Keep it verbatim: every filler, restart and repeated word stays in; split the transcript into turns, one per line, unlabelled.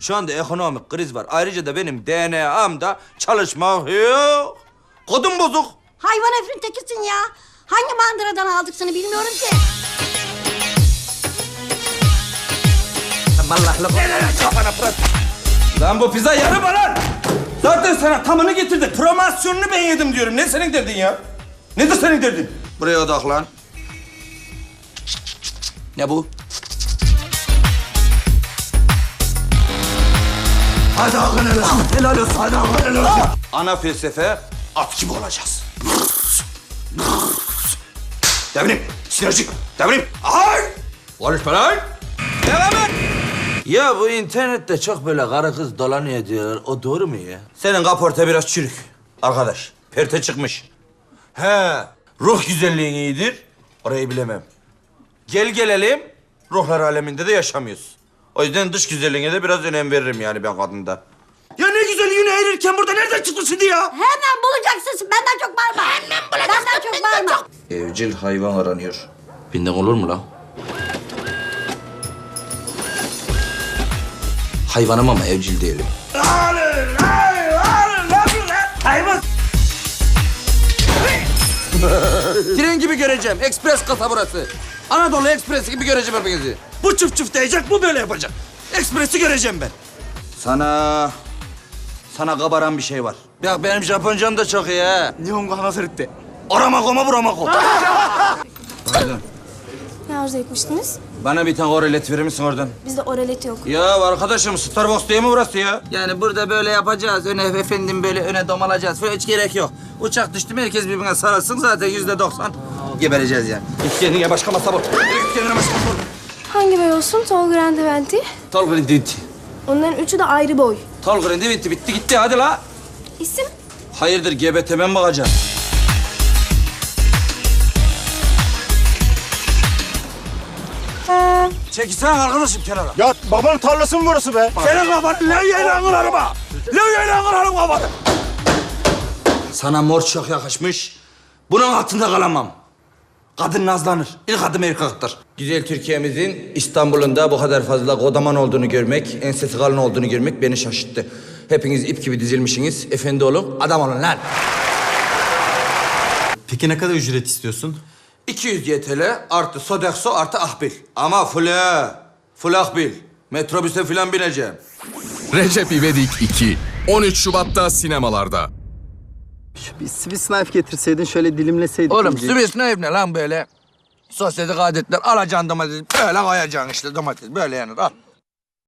Şu anda ekonomik kriz var. Ayrıca da benim D N A'mda çalışmak yok. Kodum bozuk.
Hayvan herifin tekisin ya. Hangi mandıradan aldık seni bilmiyorum ki.
Allah'la kafana pırat. Lan bu pizza yarım lan. Zaten sana tamını getirdik. Promosyonunu ben yedim diyorum. Ne senin derdin ya? Nedir senin derdin? Buraya odaklan. Ne bu?
Hadi hakkın helal olsun. Helal olsun. Hadi hakkın helal olsun.
Ana felsefe at gibi olacağız. Devrim, sinerjik, devrim. Ay! Konuşma lan! Devam et! Ya bu internette çok böyle karı kız dolanıyor diyorlar. O doğru mu ya? Senin kaporta biraz çürük. Arkadaş, perte çıkmış. He, ruh güzelliğin iyidir. Orayı bilemem. Gel gelelim, ruhlar aleminde de yaşamıyoruz. O yüzden dış güzelliğine de biraz önem veririm yani ben kadında. Ya ne güzelliğini eğirirken burada nereden çıktı şimdi ya?
Hemen bulacaksın. Benden çok bağırma. Hemen bulacaksın. Benden çok bağırma.
Evcil hayvan aranıyor. Binden olur mu lan? Hayvanım ama evcil değilim.
Hayvan.
Tren gibi göreceğim. Ekspres kasa burası. Anadolu Ekspresi gibi göreceğim hepinizi.
Bu çıf çıf diyecek, bu böyle yapacak. Ekspresi göreceğim ben.
Sana... Sana kabaran bir şey var. Ya benim Japoncam da çok iyi ha.
Nihongo hanasırıttı. Aramako mu buramako?
Pardon.
Ne arzu etmiştiniz?
Bana bir tane orelet verir misin oradan?
Bizde oralet yok.
Ya arkadaşım Starbucks değil mi burası ya? Yani burada böyle yapacağız. Öne efendim böyle öne domalacağız. Böyle hiç gerek yok. Uçak düştü mü herkes birbirine sarılsın zaten yüzde doksan gebereceğiz yani. Git kendine başka masa bul. Git kendine başka masa bul.
Hangi boy olsun? Tall Grande Venti.
Tol grindi bitti.
Onların üçü de ayrı boy.
Tol grindi bitti bitti gitti hadi la.
İsim?
Hayırdır G B T'me mi bakacağım? Çekilsene arkadaşım kenara.
Ya babanın tarlası mı burası be? Senin kafanı levyeyle anılarım ha. Levyeyle anılarım kafanı.
Sana mor çok yakışmış. Bunun altında kalamam. Kadın nazlanır. İlk adım erkektir. Güzel Türkiye'mizin İstanbul'un da bu kadar fazla kodaman olduğunu görmek, ensesi kalın olduğunu görmek beni şaşırttı. Hepiniz ip gibi dizilmişsiniz. Efendi olun, adam olun lan.
Peki ne kadar ücret istiyorsun?
iki yüz Y T L artı Sodexo artı Ahbil. Ama full full Ahbil. Metrobüse falan bineceğim.
Recep İvedik iki. on üç Şubat'ta sinemalarda.
Bir Swiss knife getirseydin şöyle dilimleseydik.
Oğlum
iyice.
Swiss ne ne lan böyle? Sosyetik adetler alacaksın domatesi böyle koyacaksın işte domates böyle yenir al.